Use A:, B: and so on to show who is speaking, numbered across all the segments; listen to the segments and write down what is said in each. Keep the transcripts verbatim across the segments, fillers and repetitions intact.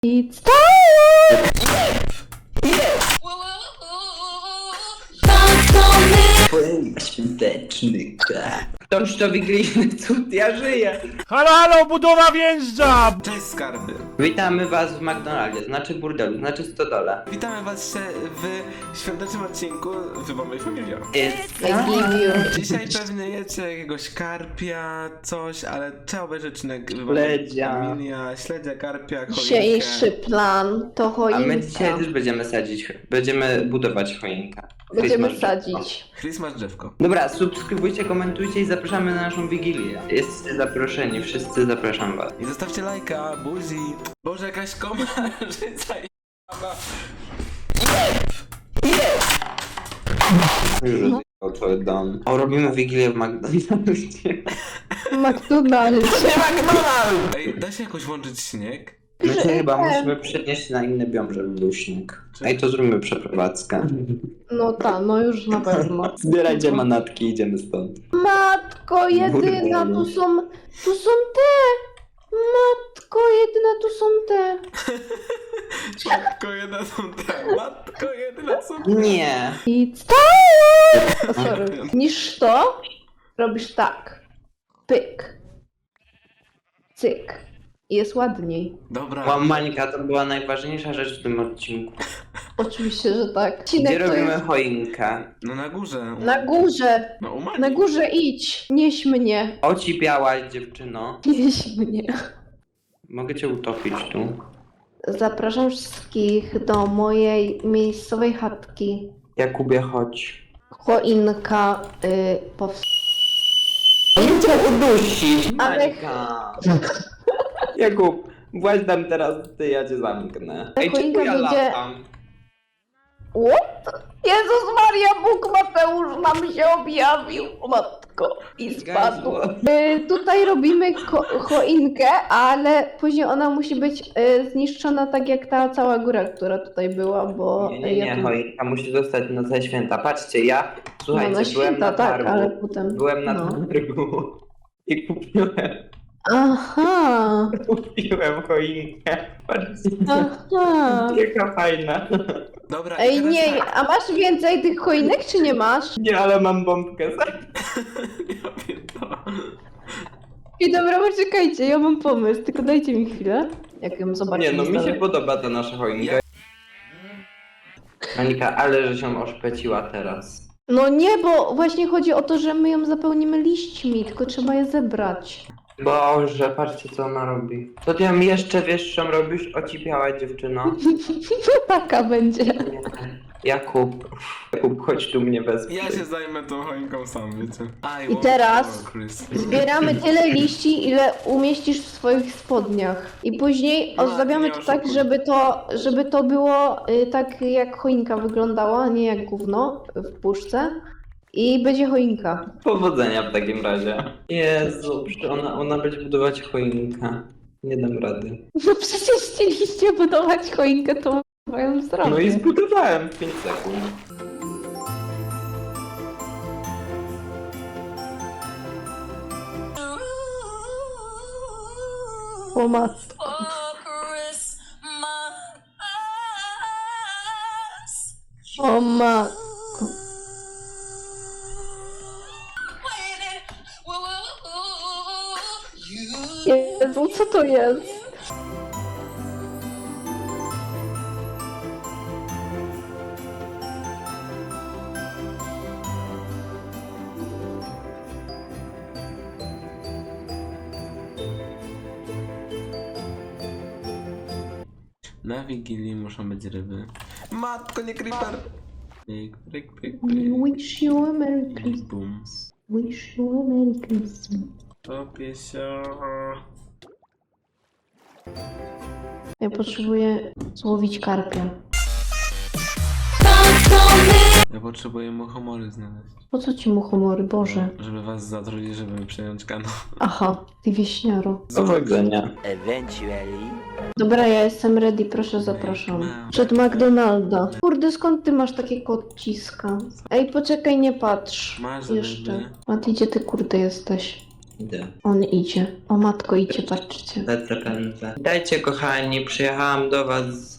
A: It's time!
B: Twoim świąteczny ktoś to wigilijny cud, ja żyję.
C: Halo, halo, budowa wjeżdża!
D: Cześć skarby!
B: Witamy was w McDonaldzie, znaczy burdelu, znaczy stodole.
D: Witamy was się w świątecznym odcinku Wybory Familia.
B: It's
A: I give you.
D: Dzisiaj pewnie jecie jakiegoś karpia, coś, ale trzeba obejrzeć odcinek
B: Śledzia.
D: Familia, śledzia, karpia, choinkę.
A: Dzisiejszy plan to
B: A
A: choinka.
B: my dzisiaj też będziemy sadzić, będziemy budować choinkę.
A: Będziemy
B: Christmas drzewko.
A: sadzić.
D: Christmas drzewko.
B: Dobra, subskrybujcie, komentujcie i zapraszamy na naszą wigilię. Jesteście zaproszeni, wszyscy zapraszam was.
D: I zostawcie lajka, buzi. Boże, jakaś komarzyca i
B: Już no. Twój dom. O, robimy wigilię w McDonaldzie.
A: McDonald's.
D: Ej, da się jakoś włączyć śnieg?
B: My się chyba musimy przenieść na inny biom, żeby był śnieg. Ej, to zróbmy przeprowadzkę.
A: No ta, no już na pewno.
B: Zbierajcie manatki, idziemy stąd.
A: Matko jedyna, tu są, tu są te. Matko jedyna, tu są te.
D: Matko jedna są te, matko jedna są te.
B: Nie.
A: It's time! Sorry. Niż to robisz tak. Pyk. Cyk. I jest ładniej.
D: Dobra.
B: Łamańka to była najważniejsza rzecz w tym odcinku.
A: Oczywiście, że tak.
B: Gdzie
A: Odcinek to
B: robimy
A: jest
B: choinkę?
D: No na górze.
A: na górze.
D: No u Mani.
A: Na górze idź. Nieś mnie.
B: Ocipiałaś, dziewczyno.
A: Nieś mnie.
B: Mogę cię utopić tu.
A: Zapraszam wszystkich do mojej miejscowej chatki.
B: Jakubie, chodź.
A: Choinka y, powstała.
B: Nie cię udusić,
A: Ale-
B: Mańka. Jakub, właśnie tam teraz ty, ja cię zamknę. Ej,
A: choinka
B: czemu ja
A: będzie-
B: latam?
A: What? Jezus Maria, Bóg Mateusz nam się objawił, o matko, i spadł. Y, tutaj robimy ko- choinkę, ale później ona musi być y, zniszczona tak jak ta cała góra, która tutaj była, bo
B: Nie, nie,
A: ja
B: nie,
A: tu...
B: choinka musi zostać na całe święta. Patrzcie, ja, słuchajcie,
A: no, na
B: byłem
A: święta,
B: na
A: tak,
B: targu.
A: ale potem...
B: Byłem na
A: no.
B: targu i kupiłem,
A: Aha,
B: kupiłem choinkę. Patrzcie,
A: aha.
B: jaka fajna.
D: Dobra, i
A: Ej,
D: teraz
A: nie,
D: tak.
A: a masz więcej tych choinek, czy nie masz?
B: Nie, ale mam bombkę.
D: Ja pierdolę.
A: I dobra, poczekajcie, ja mam pomysł, tylko dajcie mi chwilę, jak ją zobaczę.
B: Nie, no mi się podoba ta nasza choinka. Monika, ale że się oszpeciła teraz.
A: No nie, bo właśnie chodzi o to, że my ją zapełnimy liśćmi, tylko trzeba je zebrać.
B: Boże, patrzcie co ona robi. To ty ją jeszcze wyższą robisz, ocipiała dziewczyno.
A: Taka będzie.
B: Nie. Jakub, Jakub, chodź tu mnie wezmij.
D: Ja się zajmę tą choinką sam, wiecie. I,
A: I
D: want
A: teraz
D: more Christmas.
A: Zbieramy tyle liści, ile umieścisz w swoich spodniach. I później
D: No,
A: ozdabiamy
D: nie
A: to tak,
D: oszukuj.
A: żeby to, żeby to było y, tak jak choinka wyglądała, a nie jak gówno w puszce. I będzie choinka.
B: Powodzenia w takim razie. Jezu, przecież ona, ona będzie budować choinkę. Nie dam rady.
A: No przecież chcieliście budować choinkę, to mają zrobić.
B: No i zbudowałem w pięć sekund.
A: O matko. O matko. Jezu, co to jest?
D: Na Wigilii muszą być ryby. Matko, nie creeper! Pyk, pyk, pyk,
A: We
D: pyk.
A: wish you a Merry Christmas.
D: Bum.
A: Wish you a Merry Christmas.
D: Topię się.
A: Ja potrzebuję złowić karpia.
D: Ja potrzebuję muchomory znaleźć.
A: Po co ci mu humory, Boże?
D: Żeby was zatrudnić, żeby przejąć kanał.
A: Aha, ty wieśniaro.
B: Powodzenia.
E: Eventually.
A: Dobra, ja jestem ready, proszę zapraszam. Przed McDonalda. Kurde, skąd ty masz takie kociska? Ej, poczekaj, nie patrz.
D: Masz
A: Jeszcze.
D: ryby.
A: A ty gdzie ty kurde jesteś?
B: Idę.
A: On idzie. O matko, idzie, patrzcie.
B: Lecę, pędzę. Dajcie, kochani, przyjechałam do was z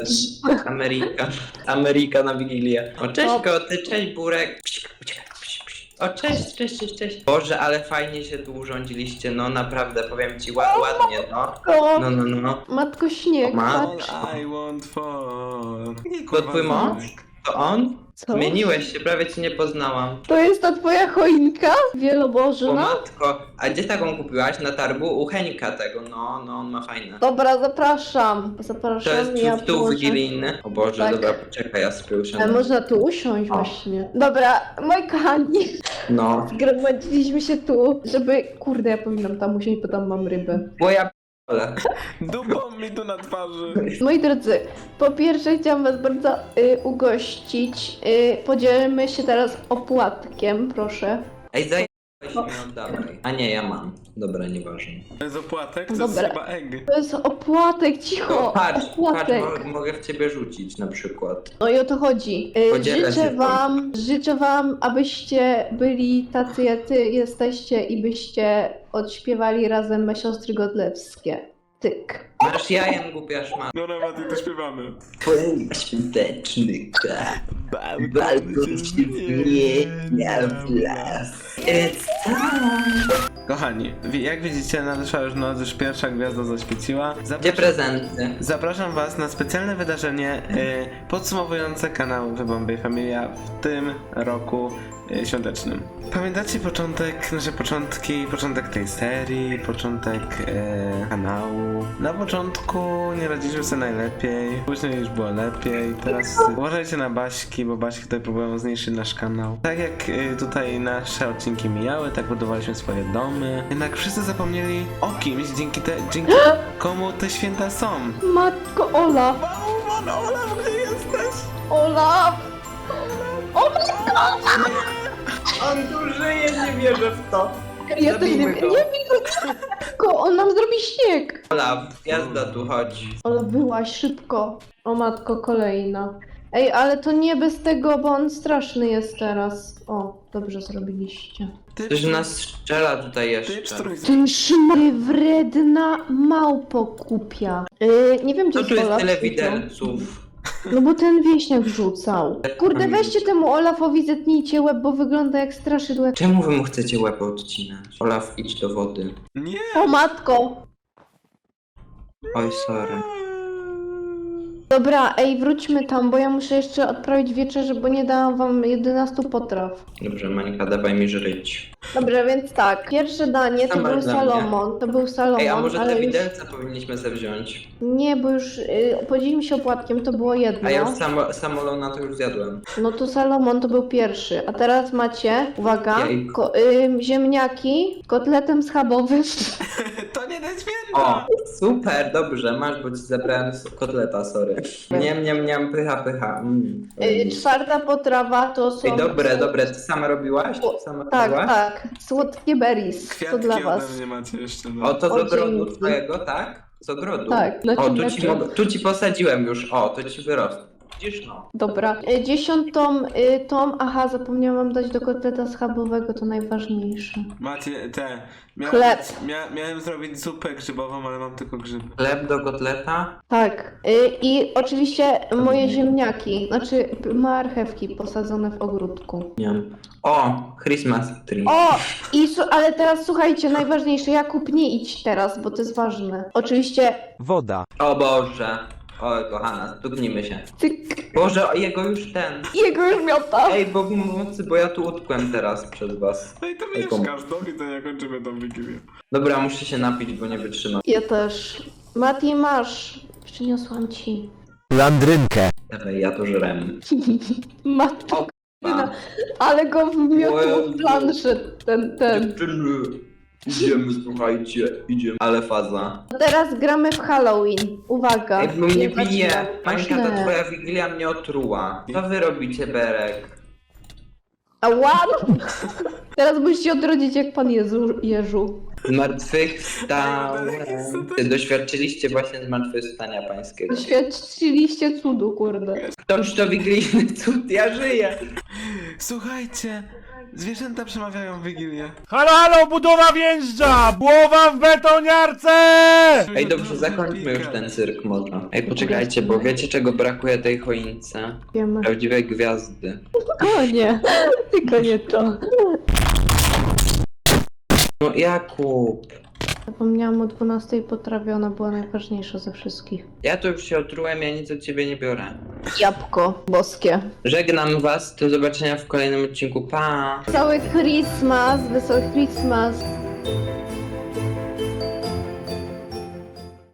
B: e, Ameryka. Ameryka na Wigilię. O, cześć koty, cześć Burek. Psik, uciekaj, psik, psik. O, cześć, cześć, cześć, cześć. Boże, ale fajnie się tu urządziliście, no naprawdę, powiem ci, ła ładnie, no.
A: O,
B: No, no, no.
A: matko, śnieg,
B: Ma-
A: patrz.
D: All I want for... Nie,
B: To twój mąż? To on?
A: Co?
B: Zmieniłeś się, prawie cię nie poznałam.
A: To jest ta twoja choinka?
B: O
A: Wielobożna?
B: matko, a gdzie taką kupiłaś? Na targu? U Henka tego, no, no, on ma fajne.
A: Dobra, zapraszam.
B: To
A: Zapraszam,
B: jest
A: ja
B: stół
A: położę.
B: wigilijny. O Boże,
A: Tak.
B: dobra, poczekaj, ja sobie
A: Ale
B: usiądę.
A: można tu usiąść właśnie. Dobra, moi kochani,
B: No.
A: zgromadziliśmy się tu, żeby... Kurde, ja powinnam tam usiąść, bo tam mam rybę.
B: Bo ja p***le.
D: Dupą mi tu na twarzy.
A: Moi drodzy, po pierwsze chciałam was bardzo y, ugościć. Y, podzielmy się teraz opłatkiem, proszę.
B: Ej, zajebałeś mi, oddawaj. A nie, ja mam. Dobra, nieważne.
D: To jest opłatek? To
A: Dobra.
D: jest chyba egg.
A: To jest opłatek, cicho!
B: O, patrz, patrz,
A: opłatek.
B: mo mogę w ciebie rzucić na przykład.
A: No i o to chodzi. Y,
B: Podzielę
A: życzę
B: się
A: wam, życzę wam, abyście byli tacy, jacy jesteście i byście odśpiewali razem Me Siostry Godlewskie. Tyk.
B: Masz jajem, głupia szmata.
D: Dobra, Mati, to śpiewamy.
B: Twoim świąteczny tak. Balkon się zmienia w las. It's time.
D: Kochani, wi- jak widzicie, nadeszła już noc, już pierwsza gwiazda zaświeciła.
B: Gdzie
D: Zapraszam,
B: prezenty?
D: zapraszam was na specjalne wydarzenie y, podsumowujące kanał The Bombay Familia w tym roku y, świątecznym. Pamiętacie początek, nasze początki, początek tej serii, początek y, kanału? Na początku nie radziliśmy sobie najlepiej, później już było lepiej, teraz y, uważajcie na Baśki, bo Baśki tutaj próbują zniszczyć nasz kanał. Tak jak y, tutaj nasze odcinki mijały, tak budowaliśmy swoje domy, jednak wszyscy zapomnieli o kimś, dzięki, te, dzięki komu te święta są.
A: Matko Olaf!
D: Bałwan, Olaf, gdzie jesteś?
A: Olaf! O matko!
B: On tu żyje, nie wierzę w to.
A: Ja też nie
B: Zabijmy
A: wiem,
B: go.
A: nie wiem, tylko on nam zrobi śnieg!
B: Olaf, jazda tu, chodź.
A: Olaf, byłaś szybko. O matko, kolejna. Ej, ale to nie bez tego, bo on straszny jest teraz. O, dobrze zrobiliście.
D: Ty,
B: Ktoś nas strzela tutaj
D: ty
B: jeszcze.
D: pstrój.
A: Ten szmary wredna małpo kupia. Yy, nie wiem, gdzie
B: Co tu jest
A: Olaf
B: tyle
A: rzucał.
B: widelców?
A: No bo ten wieśniak rzucał. Kurde, weźcie temu Olafowi, zetnijcie łeb, bo wygląda jak straszydło.
B: Czemu wy mu chcecie łeb odcinać? Olaf, idź do wody.
D: Nie!
A: O matko!
B: Oj, sorry.
A: Dobra, ej, wróćmy tam, bo ja muszę jeszcze odprawić wieczerzę, bo nie dałam wam jedenastu potraw.
B: Dobrze, Mańka, dawaj mi żyć.
A: Dobrze, więc tak. Pierwsze danie to
B: Sama
A: był
B: dla mnie.
A: Salomon. To był Salomon,
B: Ej, a może
A: ale
B: te
A: już...
B: widelce powinniśmy sobie wziąć?
A: Nie, bo już y, podzielimy się opłatkiem, to było jedno.
B: A ja już samo, samolona to już zjadłem.
A: No to Salomon to był pierwszy. A teraz macie, uwaga,
B: Jajko.
A: ko- y, ziemniaki z kotletem schabowym.
D: To nie te święta!
B: O, super, dobrze, masz, bo ci zabrałem s- kotleta, sorry. Niam, niam, niam, pycha, pycha. Mm.
A: Y, czwarta potrawa to są...
B: Ej, dobre, dobre, ty sama robiłaś? Ty sama
A: Tak,
B: robiłaś?
A: tak. Słodkie berries. To
D: Kwiatki
A: dla
D: ode
A: was.
D: mnie macie jeszcze, no.
B: O, to z
A: O,
B: ogrodu
A: dzięki.
B: twojego, tak? Z ogrodu?
A: Tak, znaczy
B: O, tu
A: znaczy.
B: ci, mogę, tu ci posadziłem już, o, to ci wyrosło. Widzisz, no.
A: Dobra. Y, dziesiątą y, tą, aha, zapomniałam dać do kotleta schabowego, to najważniejsze.
D: Macie te... Miałem,
A: Chleb.
D: Mia, miałem zrobić zupę grzybową, ale mam tylko grzyby.
B: Chleb do kotleta?
A: Tak. Y, I oczywiście moje ziemniaki, znaczy p- marchewki posadzone w ogródku.
B: Nie wiem. O, Christmas tree.
A: O! I su- ale teraz słuchajcie, najważniejsze, Jakub, nie idź teraz, bo to jest ważne. Oczywiście,
C: Woda.
B: O Boże. Oj, kochana, stuknijmy się.
A: cyk,
B: Boże, o, jego już ten.
A: jego już miota.
B: Ej, bo pomocy, bo ja tu utkłem teraz przez was.
D: No i to
B: Ej, komu?
D: mieszkasz, do widzenia, kończymy tą wigilię.
B: Dobra, muszę się napić, bo nie wytrzymam.
A: Ja też. Mati, masz. Przyniosłam ci.
C: Landrynkę.
B: Dawaj, ja to żrem.
A: Mati,
B: O, k***a.
A: ale go wmiotło
B: Jezu.
A: w planszę, ten, ten.
B: Dziewczyny, idziemy, słuchajcie, idziemy. Ale faza.
A: Teraz gramy w Halloween. Uwaga.
B: Ej, bo mnie
A: Nie
B: bije.
A: zaczynam.
B: Mańka, to
A: Źle.
B: twoja wigilia mnie otruła. Co wy robicie, Berek?
A: Ała! Teraz musicie odrodzić jak pan Jezu, Jeżu.
B: Zmartwychwstałem. Ty doświadczyliście właśnie zmartwychwstania pańskiego.
A: Doświadczyliście cudu, kurde.
B: Toż to wigilijny cud, ja żyję.
D: Słuchajcie, Zwierzęta przemawiają w Wigilię.
C: Halo, halo, budowa wjeżdża! Głowa w betoniarce!
B: Ej, dobrze, zakończmy już ten cyrk może. Ej, poczekajcie, bo wiecie czego brakuje tej choince?
A: Wiemy.
B: Prawdziwej gwiazdy.
A: O nie, tylko nie to.
B: No Jakub!
A: Zapomniałam o dwunastej potrawie, ona była najważniejsza ze wszystkich.
B: Ja tu już się otrułem, ja nic od ciebie nie biorę.
A: Jabłko boskie.
B: Żegnam was, do zobaczenia w kolejnym odcinku, pa!
A: Wesoły Christmas, wesoły Christmas.